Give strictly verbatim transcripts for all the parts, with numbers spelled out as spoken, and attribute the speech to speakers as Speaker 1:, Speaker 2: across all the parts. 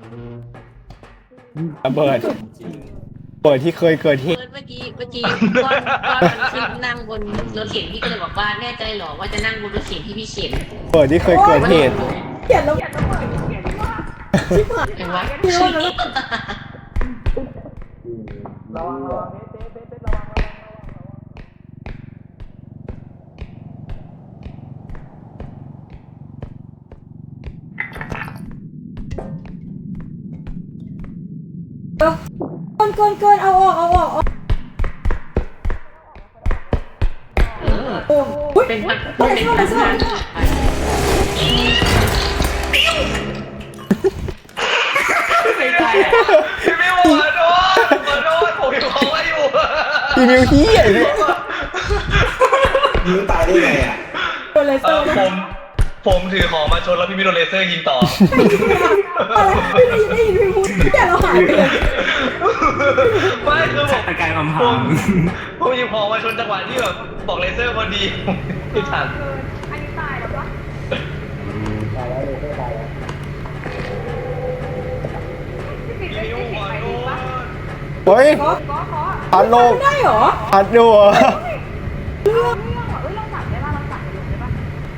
Speaker 1: ระเบิดเปิดที่เคยเกิดเหตุ
Speaker 2: เมื่อกี้เมื่อกี้ก้อนก้อนมันขึ้นนั่งบนรถเข็นพี่ก็เลยบอกว่าแน่ใจหรอว่าจะนั่งบนรถเข็นที่พี่เข็น
Speaker 1: เปิดที่เคยเกิดเหตุ
Speaker 3: เขียนแล้วเขียนแล้วเปิดเขียนว่าชิบหาย
Speaker 2: เห็นไหม
Speaker 3: พี่โน้ตแล้ว
Speaker 4: ระวังระวังเบ๊ะเบ๊ะเบ๊ะระวังระวังระวังระวัง
Speaker 3: เกินเกินเกินเอาออกเอาออกเอา
Speaker 2: เออ
Speaker 3: โอ้ย
Speaker 2: เป็นพัน
Speaker 3: เฮ้ย
Speaker 2: เป็น
Speaker 3: เข้า
Speaker 2: พั
Speaker 3: มาน ซ่อม
Speaker 2: ไม่ได้
Speaker 4: พี่มิวขอโทษขอโทษผมอยู่ของไว้อยู่
Speaker 1: อีมิวเฮียเนี่ย
Speaker 5: ยิงตายได้ไงอ่ะ
Speaker 3: โดนเลเซ
Speaker 4: เอ
Speaker 3: อ
Speaker 4: อ
Speaker 3: ร์
Speaker 4: ผมผมถือของมาชนแล้วพี่มิวโดนเลเซอร์ยิงต่อ
Speaker 3: อะไรไม่ได้ยินได้ยินพี่พูดแต่เราหายไปเลย
Speaker 4: ไม่คือผม
Speaker 6: ตะกายความ
Speaker 4: ผ
Speaker 6: พั
Speaker 4: ม
Speaker 6: ง
Speaker 4: ผมหยิบของมาชนจังหวะที่แบบบอกเลเซอร์พอดีไม่ทัน
Speaker 3: อันนี้ตายแล้วปะ
Speaker 5: ตายแล้วเลยไม่ตายแล้ว
Speaker 4: พี่มิวขอโทษ
Speaker 1: เฮ้ย
Speaker 3: ขอขอขอ
Speaker 1: พัดลม
Speaker 3: ไม่ได้เหรอ
Speaker 1: พัดดูเหรอ
Speaker 3: เรื่องเรื่องเหรอเอ้ยเราสั่งได้ป่ะเราสั่งไปลงได้ป่ะ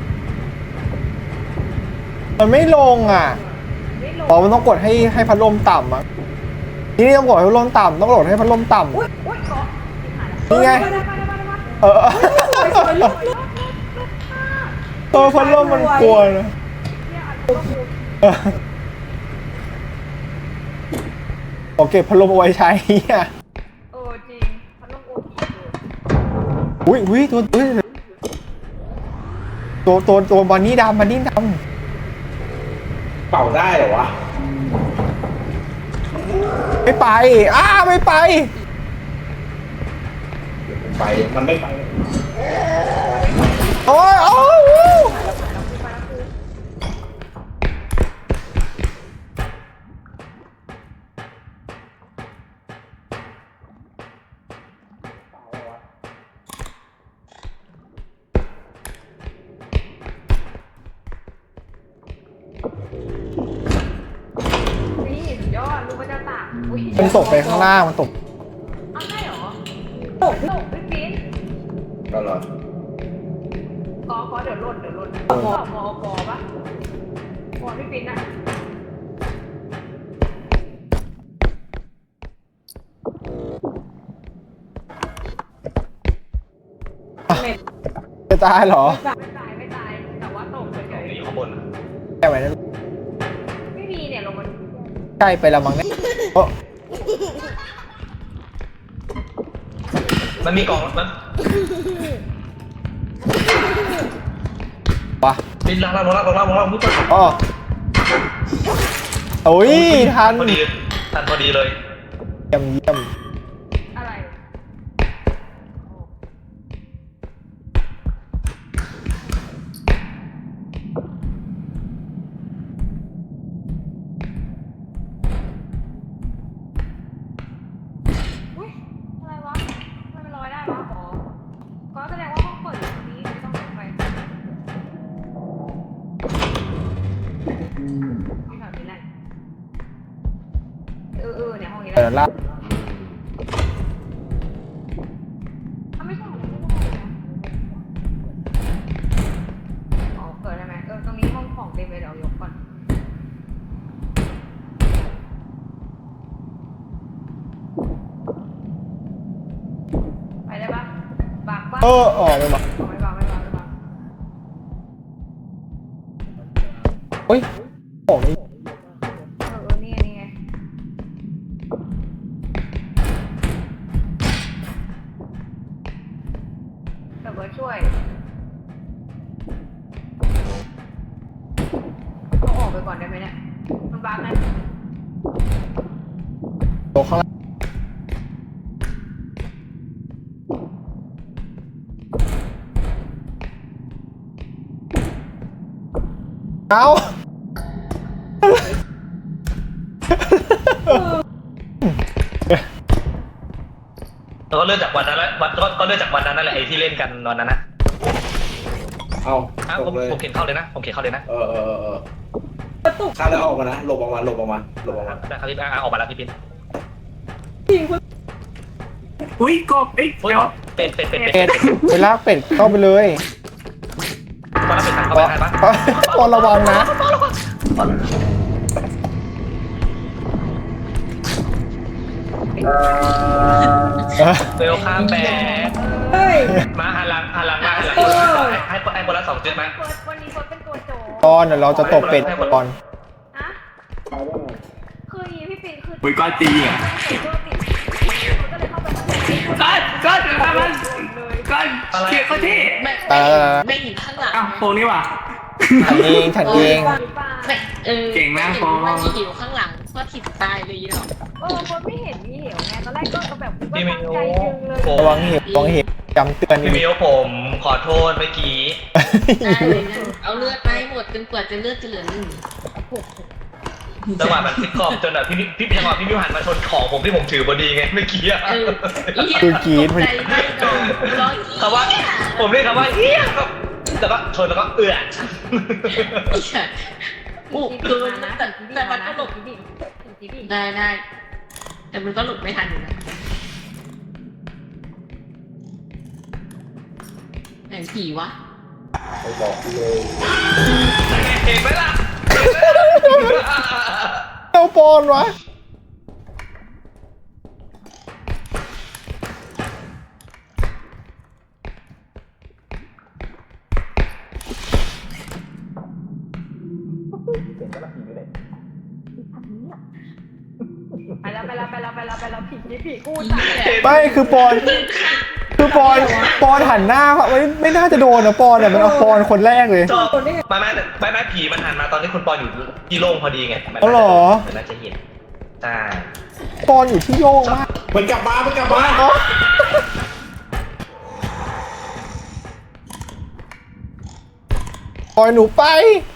Speaker 1: มันไม่ลงอ่ะ
Speaker 3: ไม่ลง
Speaker 1: อ๋อมันต้องกดให้ให้พัดลมต่ำอ่ะนี่ต้องกดให้พัดลมต่ำต้องกดให้พัดลมต่ำ
Speaker 3: อุ้ยอุ้ยขอ
Speaker 1: นี่ไง
Speaker 3: ได้ได้ได้ได้ได้
Speaker 1: เออ
Speaker 3: สวยสวยลุกลุก
Speaker 1: ตัวพัดลมมันกลัวนะเออโอเคพัดลมเอาไว้ใช้อ่ะ
Speaker 3: เออจริงพัดลมโอทีเลย
Speaker 1: อุ้ยอุ้ยตัวอุ้ยตัวตัวตัวบันนี่ดำบันนี่ด
Speaker 5: เป่าได้เหรอวะ
Speaker 1: ำไม่ไปอ้าไม่ไป
Speaker 5: ไป มันไม่ไป
Speaker 1: โอ้ยโอ้ย
Speaker 3: นี่สุดยอดรู้ว่าจะตากอุ้ย
Speaker 1: มันตกไปข้างล่างมันตก
Speaker 3: เอาใช่เหรอตกตกพี่ปิ๊น
Speaker 5: ก็เหรอ
Speaker 3: กอขอเดี๋ยวหล่นเดี๋ยวหล่นมอมอกอปะมอพี่ปิ๊นอะ
Speaker 1: จะตายเหรอ
Speaker 3: ไม่ตายไม่ตายแต่ว่าตกเฉย
Speaker 4: อยู่ข้างบน
Speaker 1: แค่ไหนนั้น
Speaker 3: ๆไม่มีเนี่ยลงมัน
Speaker 1: ใกล้ไปละมั้งเนี่ยโอ้
Speaker 4: มันมีกล่องมัน
Speaker 1: วะ
Speaker 4: ปิดล่างล่างล่างล่างล่างล่างมุดไป
Speaker 1: อ๋อโอ้ยทัน
Speaker 4: พอดีทันพอดีเลย
Speaker 1: เยี่ยมเยี่ยม
Speaker 3: อะไรอุ้ยอะไรวะทำไมมันลอยได้วะอ๋อก็แสดงว่าห้องเปิดอยู่ตรงนี้ไม่ต้องลงไปที่แถวนี้แหละเออเออเนี่ยห้องนี้แห
Speaker 1: เดี๋ย
Speaker 3: ละ
Speaker 1: วละ
Speaker 3: อ่ะไม่ใช่ไม่ใช่นะอ๋อเปิดได้ไหมเออตรงนี้ห้องของเต็มเลยเดี๋ยวยกก่อนไปได้ปะบักปะ
Speaker 1: เออออกไปมา
Speaker 3: ไม่บักไม่บักไม่บัก
Speaker 1: เฮ้ยโอ้ย
Speaker 3: เออเออนี่ไงนี่ไงเดี๋ยวเบิร์ดช่วยเอาออกไปก่อนได้ไหมเนี่ยมันบักนะ
Speaker 1: ตัวข้างล่างเอา
Speaker 4: แล้วก็เลื่อนจากวันนั้นแล้ววันก็ก็เลื่อนจากวันนั้นนั่นแหละไอ้ที่เล่นกันวันนั้นนะ
Speaker 5: เอา
Speaker 4: อ่ะ
Speaker 5: ต
Speaker 4: ผม
Speaker 5: กเลย
Speaker 4: ผมเขียนเข้าเลยนะผมเขียนเข้าเลยนะ
Speaker 5: เออเออเออเออ
Speaker 3: ประตู
Speaker 5: ข้ามแล้วออกมานะหลบออกมาหลบออกมาหลบออกมา
Speaker 4: ได้ครับพี่อ่ะออกมาแล้วพี่ปิ๊น
Speaker 3: ยิงคุณ
Speaker 6: อุ้ยกบเอ้ย
Speaker 4: เฮ้ย
Speaker 6: เดี๋ยว
Speaker 4: เป็ดเป็ดเป็ดเป็
Speaker 1: เป็
Speaker 4: ด
Speaker 1: ดไปลากเป็ดเข้าไปเลย
Speaker 4: ตอนนั้นเป็ดทางเข้าไปทันปะ
Speaker 1: ปอนระวังนะ
Speaker 4: เวลข้ามแบก
Speaker 3: เฮ้ย
Speaker 4: มาหันหลังหันหลังมาหันหลังให้ให้ให้คนละสองจุดไหม
Speaker 3: เฟิร์สวันนี้เฟิร์สเป็นตัวโจ
Speaker 1: ปอนเดี๋ยวเราจะตบเป็ดปอน
Speaker 3: ฮะคืออีพี่ปิ่นคือ
Speaker 6: อุ้ยก้อนตีอ่ะ
Speaker 3: ใส่เสื้อติดเขาก็เลยเข้าไปข้างใน
Speaker 6: ก้อนก้อนเดี๋ยวทำมันก้อนเชี่ยเขาที่
Speaker 2: ไม่ไม่เห็นข้างหลัง
Speaker 6: อ้าวโฟนี่ว่ะ
Speaker 1: ฉันเองฉันเอง
Speaker 2: ไม่เออ
Speaker 6: เก่งนะ
Speaker 2: ไม่
Speaker 6: พอ
Speaker 2: เห็นว่ามีหิวข้างหลังก็ถิดตายเลยเนาะ
Speaker 3: เออคนไม่เห็นมีเหวไงตอนแรกก็แบบว่าตั้งใจดึงเลย
Speaker 4: ผม
Speaker 1: ระวังเห็บระวังเห็บจำเตือน
Speaker 4: พี่มิวผมขอโทษเมื่อกี้
Speaker 2: ได้เลยนะเอาเลือดไปหมดจนกว่าจะเลือดจะเหลือหนึ่ง
Speaker 4: จังหวะมันซิทคอมจนแบบพี่พี่จังหวะพี่มิวหันมาชนของผมที่ผมถือพอดีไงเมื่อกี้อะ
Speaker 2: เออ
Speaker 1: คือกรีด
Speaker 2: ใจไม่ดอกร้อย
Speaker 4: คำว่าผมเรียกคำว่าเฮียแล้วก็ชนแล้วก็เอื้อ
Speaker 2: อุกเกินนะแต่แต่มันก็หลบ
Speaker 3: ดิดิดิ
Speaker 2: ได้ได้แต่มันก็หลบไม่ทันอยู่นะไหนผีวะ
Speaker 5: ไปบอกเลย
Speaker 4: เห็นไหมล่ะ
Speaker 1: เอาปอนวะ
Speaker 3: ไปแล้วไปแล้วไปแล้วไปแล้วไปแล้วผีนี่ผีกู
Speaker 2: ผี
Speaker 3: ตาย
Speaker 2: แหละ
Speaker 1: ไม่คือปอนคือปอนปอนหันหน้าไม่ไม่น่าจะโดนนะปอนอ่ะมันเอาปอนคนแรกเลย
Speaker 4: จบไม่ไม่ไม่ไม่ผีมันหันมาตอนที่คุณปอนอยู่ที่โล่งพอดีไงมัน
Speaker 1: อ๋อเหรอ
Speaker 4: มันน่าจะเห็นใช่
Speaker 1: ปอนอยู่ที่โยงมาก
Speaker 5: มันกลับมามันกลับมา
Speaker 1: อ๋อปล่อยหนูไป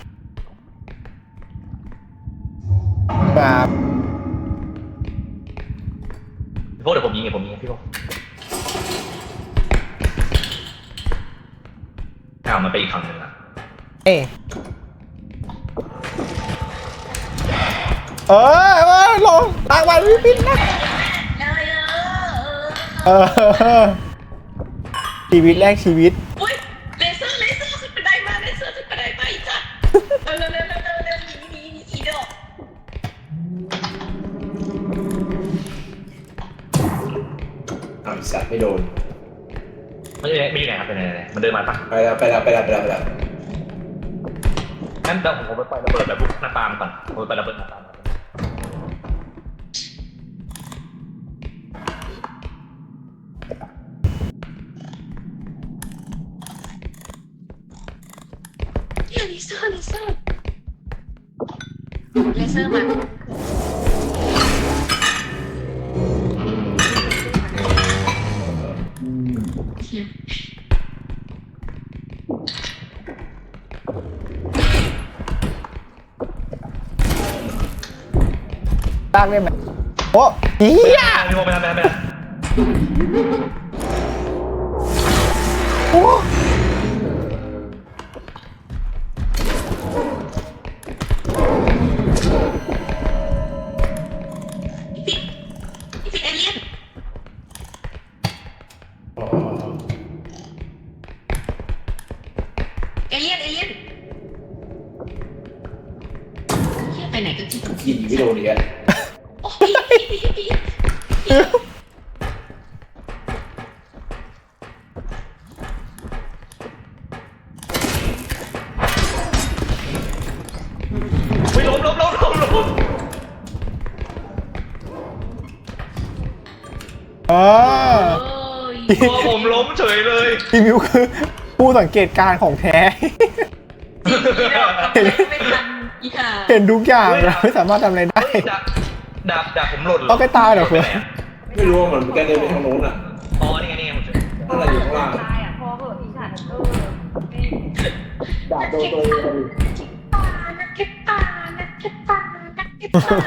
Speaker 1: แบบ
Speaker 4: พวกเดี๋ยวผมยิงไงผมยิงไงพี่พวกอ้าวมันไปอีกฝั่งหนึ่งละ
Speaker 1: เอยเออเออลงตางวันวิปินนะ
Speaker 2: เลยเอ
Speaker 1: เออชีวิตแรกชีวิต
Speaker 2: อุ้ยเลเซอร์เลเซอร์ขึ้นไปได้มาเลเซอร์ขึ้นไปได้มาอีกจ้ะเร็วเร็วเร็วเร็วเร็วหนีหนีหนีอีดอก
Speaker 5: อ้าวสัตว์ไม่โดน
Speaker 4: มันอยู่ไหนมันอยู่ไหนครับเป็นไหนไหนมันเดินมาปะ
Speaker 5: ไปแล้วไปแล้วไปแล้วไปแล้วไปแล้ว
Speaker 4: งั้นเดี๋ยวผมไปปล่อยระเบิดแบบลูกหน้าตามก่อนผมไปปล่อยระเบิดหน้าตาม
Speaker 2: เนี่ยเลเซอร์เลเซอร์เลเซอร์มาเฮีย
Speaker 1: ลากได้ไหมโอ้เฮีย
Speaker 4: พี่โมไปทำไปทำไปทำ
Speaker 1: โอ้
Speaker 2: พี่พี่เอเลี่ยน
Speaker 5: อ๋อ
Speaker 2: เอเลี่ยนเอเลี่ยนเฮียไปไหนกันที่
Speaker 5: ยิงไม่โดนอีกแล้ว
Speaker 2: โอ้ยพี่พี่พี่
Speaker 4: ไม่ล้มล้มล้มล้มล้ม
Speaker 1: อ่า
Speaker 2: โอ้ย
Speaker 4: ตัวผมล้มเฉยเลย
Speaker 1: พี่มิวคือผู้สังเกตการณ์ของแท้
Speaker 2: จริงๆไม่ทันอีห่า
Speaker 1: เห็นทุกอย่างเราไม่สามารถทำอะไรได้
Speaker 4: ดาบดาบดาบผมหล่น
Speaker 1: เอาไปตายเหรอเพื่อน
Speaker 5: ไม่รู้ว่ามันแกเดินไปทางโน้นอ่ะ
Speaker 4: อ๋อนี่ไงนี่ไงผมเจอ
Speaker 5: อะไรอยู่ข้างล่าง
Speaker 3: ตายอ่ะพอเหอะอีสัตว์เออไม่
Speaker 5: ดาบโดนตัวเองพอดี
Speaker 2: นักเก็ตปลานักเก็ตปลานักเก็ตปลา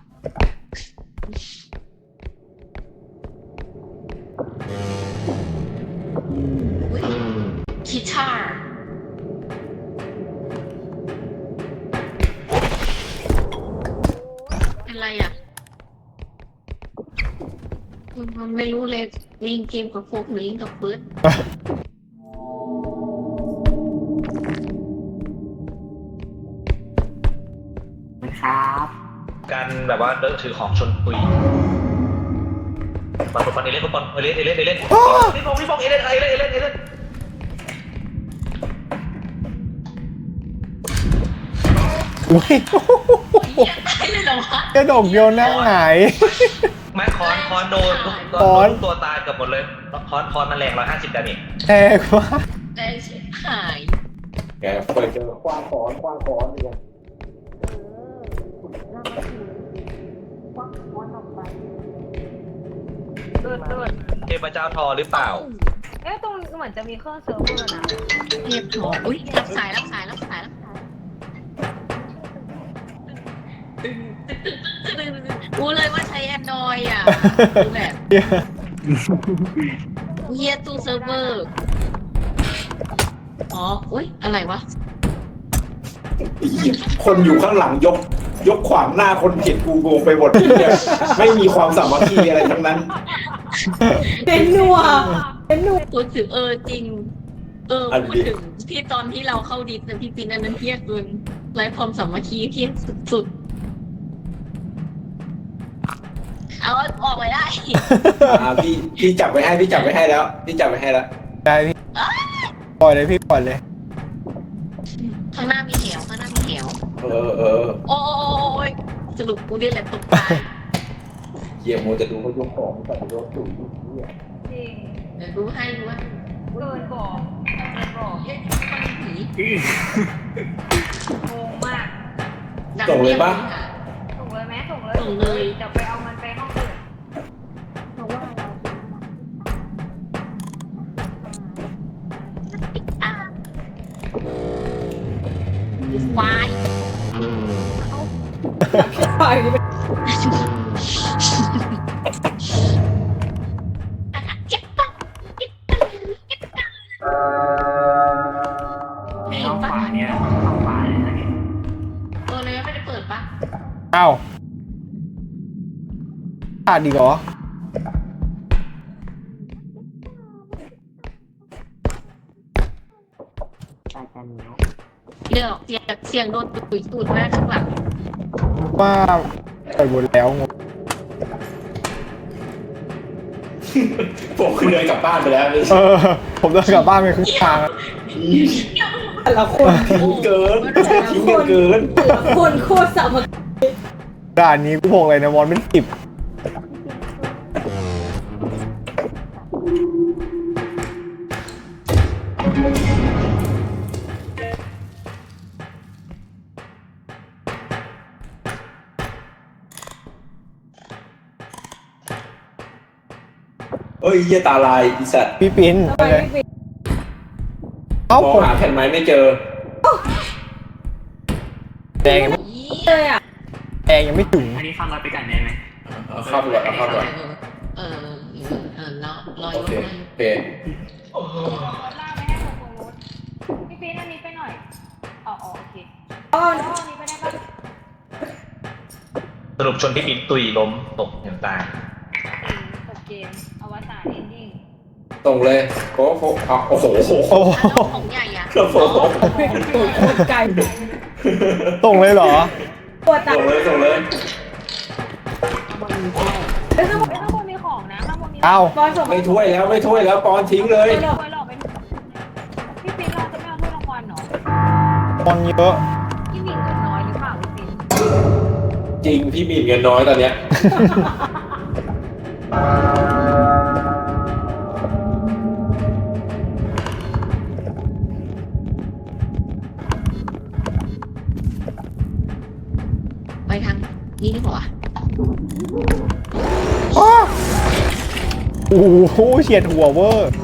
Speaker 2: อุ้ยคิทาร์อะไรอ่ะมันไม่รู้เลยลิงเกมกับโฟกหรือลิงกับเบิร์ด
Speaker 6: ครับ
Speaker 4: การแบบว่าเดินถือของชนปุยบอลบอลเอเลนบอลเอเลนเอเลนเอเลนพี่ฟงพี่ฟงเอเลนเอเลนเอเลนเอเลน
Speaker 1: อุ้ย
Speaker 2: ตายเลยเหรอวะ
Speaker 1: กระดกโยนหน้าหงาย
Speaker 4: ไม้คอนคอนโดนทุก
Speaker 1: คอน
Speaker 4: ทุกตัวตายเกือบหมดเลยคอนคอนมันแรงร้อยห้าสิบดาเมจ
Speaker 1: แรงมาก
Speaker 2: ได้เสียหาย
Speaker 5: แกเปิดเจอคว้างขอนคว้างขอนเนี่ย
Speaker 3: เลือดเลือด
Speaker 4: เทพเจ้าทอหรือเปล่า
Speaker 3: เอ๊ะตรงเหมือนจะมีเครื่องเซิร์ฟเวอร์นะ
Speaker 2: เรียบร้อยอุ้ยรับสายรับสายรับสายรับสายรู้เลยว่าใช้แอนดรอยอ่ะคือแบบเฮียตู้เซิร์ฟเวอร์อ๋ออุ้ยอะไรวะ
Speaker 5: คนอยู่ข้างหลังยก ยกขวางหน้าคนเห็นกูโกงไปหมดเนี่ยไม่มีความสามัคคีอะไรทั้งนั้น
Speaker 7: เป็นนัวเป็นนัว
Speaker 2: พูดถึงเออจริง เออพูดถึงที่ตอนที่เราเข้าดิสนะพี่ปินอันนั้นเพี้ยเกินไร้ความสามัคคีเพี้ยสุดๆเอาออกไปได้
Speaker 5: อ่าพี่พี่จับไว้ให้พี่จับไว้ให้แล้วพี่จับไว้ให้แล้ว
Speaker 1: ได้พี่ปล่อยเลยพี่ปล่อยเลย
Speaker 2: ข้างหน้ามีเหวข้างหน้ามีเหว
Speaker 5: เออเออ
Speaker 2: โอ้ยสรุปกูนี่แหละตกตาย
Speaker 5: เยี่ยมโมจะดูเขายกของใส่รถสูงเนี่ย
Speaker 3: จริง
Speaker 2: เดี๋ยวดูให้ดูว่า
Speaker 3: เกินบอกเกินบอก
Speaker 2: เฮ้ยมันผี
Speaker 3: งงมาก
Speaker 2: ดัง
Speaker 5: ส่งเลยปะ
Speaker 2: ค่ะ
Speaker 3: ส่งเลยไหมส่งเลย
Speaker 2: ส่งเลย
Speaker 3: เดี๋ยวไปเอามันไปห้องอื่น
Speaker 2: วาย
Speaker 7: ไป
Speaker 2: เจ็บปะเจ็บปะเจ็บปะเห็
Speaker 6: ห้อน ง
Speaker 2: ปะ
Speaker 6: ขวาเนี่ยห้องขวาเลยนะเนี่ย
Speaker 2: เออเลยไม่ได้เปิดปะ
Speaker 1: อ้าวขาดดีกเหรอ
Speaker 6: ตาจันเนาะ
Speaker 2: เดี๋ยวเสียงเสียงโดนตุยตูดแม่ข้างหลัง
Speaker 1: ว่าปล่อยหมดแล้วงง
Speaker 5: ผมคือเดินกลับบ้านไปแล้วนี่
Speaker 1: เออ ผมเดินกลับบ้านไปครึ่งทางอะ
Speaker 7: แต่ละคน
Speaker 5: ทิ้งเกินทิ้งกันเกิน
Speaker 7: แต่ละคนโคตรสามัคคี
Speaker 1: ด่านนี้กูบอกเลยนะมอนเป็นสิบ
Speaker 5: เอ้ยเยี่ยตาลายอีสัตว์
Speaker 1: พี่ปิ้น
Speaker 7: ทำไม
Speaker 1: เลย
Speaker 7: ไม่ปิด
Speaker 1: เอ้าม
Speaker 5: อง
Speaker 1: ผม
Speaker 5: หาแผ่นไม้ไม่เจอ
Speaker 1: แดงยังไม่
Speaker 7: เลยอ่ะ
Speaker 1: แดงยังไม่ถึง
Speaker 6: อันนี้ฟังเราไปกันได้ไหม
Speaker 5: เอาเข้าไปก่อนเอาเข้าไปก่อน
Speaker 2: เออเออเออรอรอ
Speaker 5: โอเคโอเค
Speaker 3: รถลากไม่ให้ลงตรงรถพี่ปีนอันนี้ไปหน่อยอ๋ออ๋อโอเค
Speaker 7: อ๋อ
Speaker 3: แล้วอันนี้ไปได้ปะ
Speaker 4: สรุปชนที่ปินตุยล้มตกอย่างตาย
Speaker 3: จบเกมอวสานเอนดิ้ง
Speaker 5: ส่งเลยโอ้โหเอาโอ้โห
Speaker 1: โอ้โห
Speaker 2: ของใหญ่อะ
Speaker 5: โอ้โห
Speaker 7: ตัวโคตรไกล
Speaker 1: ตรงเลยเหรอ
Speaker 7: ตัวตา
Speaker 5: ส่งเลยส่งเลย
Speaker 7: เอ้ยข้างบน
Speaker 3: เอ้ยข้างบนมีของนะข้างบนมี
Speaker 1: เอ้า
Speaker 7: บอลส่ง
Speaker 5: ไม่ถ้วยแล้วไม่ถ้วยแล้วปอนทิ้งเลย
Speaker 3: ไม่หลอกไม่หลอกไปพี่ปีนเราจะไม่เอาถ้วยรางวัลเหรอ
Speaker 1: มอนเยอะ
Speaker 3: พี่หมิงเงินน้อยหรือเปล่าพี่ปีน
Speaker 5: จริงพี่มีเงินน้อยตอนเนี้ย
Speaker 2: ไปทางนี้ดีกว่า
Speaker 1: อ้าโอ้โหเฉียดหัวเวอร์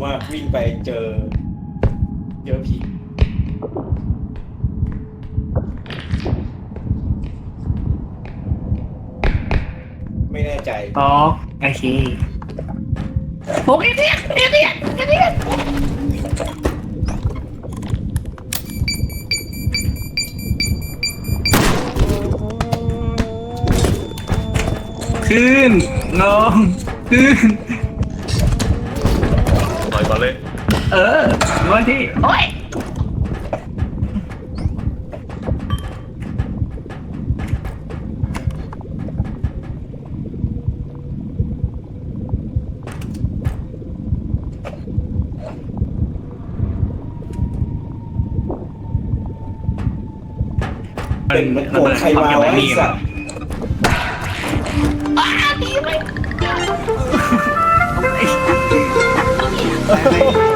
Speaker 5: มากวิ่งไปเจอเจอผีไม่แน่ใจ
Speaker 6: อ๋อโอเคผมเอเดียเอเดียเอเดียขึ้นลงขึ้น
Speaker 4: ต่อยก่อนเลย
Speaker 6: เออวันที่โอ้ย
Speaker 5: เป็นมันโกรธใครมาวะไอ้สัตว์
Speaker 6: ไอ้